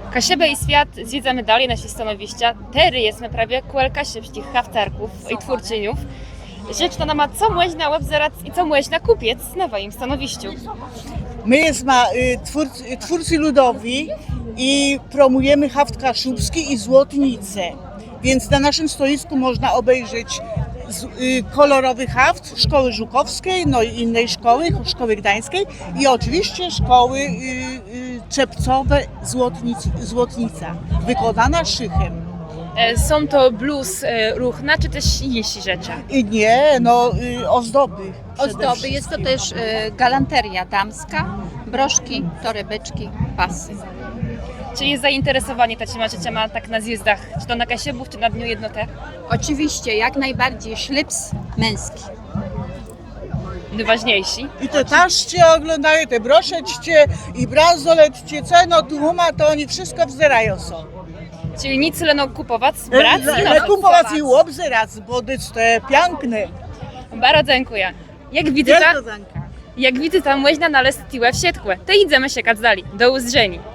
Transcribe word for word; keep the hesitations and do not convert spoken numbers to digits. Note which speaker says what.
Speaker 1: Kasiebę i świat zwiedzamy dalej naši stanowišťa. Tery jesme prawie kůl kašebštích chavcárků i twórczyniów. Rzecz to nama, co można obzerać i co można kupić na waszym stanowišťu.
Speaker 2: My jesteśmy y, twórcy, twórcy ludowi i promujemy haft kaszubski i złotnicę. Więc na naszym stoisku można obejrzeć z, y, kolorowy haft Szkoły Żukowskiej, no i innej szkoły, Szkoły Gdańskiej i oczywiście szkoły y, y, czepcowe Złotnic, Złotnica, wykonana szychem.
Speaker 1: E, Są to blues e, ruchna, czy też inne rzeczy?
Speaker 2: I nie, no y, ozdoby. przede
Speaker 3: Ozdoby, jest to
Speaker 2: wszystkim.
Speaker 3: też e, galanteria damska, broszki, torebeczki, pasy.
Speaker 1: Czy jest zainteresowanie taczyma rzeczami tak na zjezdach, czy to na Kasiebów, czy na Dniu Jednoty?
Speaker 3: Oczywiście, jak najbardziej szlips męski.
Speaker 1: Najważniejsi.
Speaker 2: I te taszcie oglądają, te broszeczcie i bransoletcie, co no tu ma, to oni wszystko wzerają są.
Speaker 1: Czyli nic leno kupować, brać i
Speaker 2: Ale
Speaker 1: no,
Speaker 2: kupować i obzerać, bo to jest piękne.
Speaker 1: Bardzo dziękuję. Jak widzicie,
Speaker 2: Wielko zanka.
Speaker 1: jak widzicie, można znaleźć tiłę w siedkłe. To idziemy się dalej. Do uzrzeni.